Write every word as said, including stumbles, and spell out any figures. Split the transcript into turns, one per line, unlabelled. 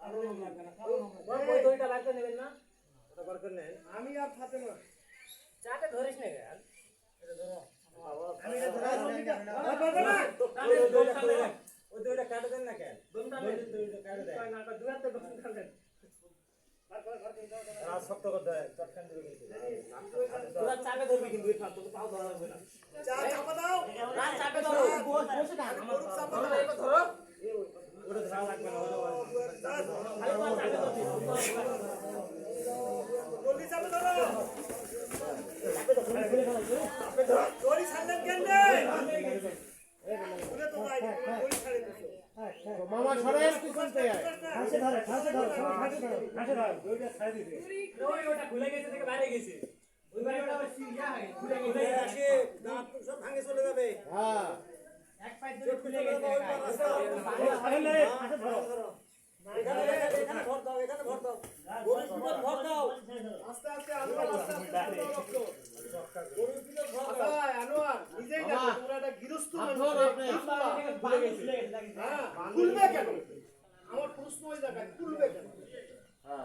ওই দইটা বার করে নেবেন না?
ওটা বার করে নেন।
আমি আর ফাতেমা
চাটা ধরিস না কেন? এটা ধরো।
আমি এটা ধরা
ওই দইটা কাটে দেন না কেন? দইটা কাটে দেন।
না তা দুয়াতে দোকান খাবেন।
আর শক্ত করে দেয়, চটকান দিবে কিন্তু।
তোরা চাপে ধরবি কিন্তু এই ফাল তোকে পাও ধরা লাগবে না।
চা চাপা দাও
না চাপে ধরো বসে থাক আমার
চাপা
ধরো
দাও
এটা ধরো
ওটা ধরা লাগবে না, ওটা
খালি তো চাপে ধরবি
জলদি চাপা ধরো
চাপে ধরো চাপে ধরো
দড়ি ছাড়লেন কেন রে ওরে তো ভাই দড়ি ছাড়ে দিছো
মামা সরেন পিছন থেকে।
হাসে ধরে হাসে ধরে হাসে ধরে
হাসে ধর, দইটা ছাড়ে দিতে।
ওই ওটা খুলে গেছে থেকে বাইরে গেছে ওই বাইরে ওটা সিরিয়া হয় খুলে গেছে
আসে, দাঁত সব ভাঙে চলে যাবে। হ্যাঁ।
এক পাই ধরে খুলে গেছে
হাসে ধরো। এখানে এখানে ভর দাও, এখানে ভর দাও। গরুর পিঠে ভর দাও।
আস্তে আস্তে আনোয়ার আস্তে আস্তে গরুর পিঠে ভর আনোয়ার নিজেই দেখো তোমরা একটা গৃহস্থ মানুষ
খুলে গেছে
হ্যাঁ খুলবে কেন আমার প্রশ্ন ওই জায়গায় খুলবে কেন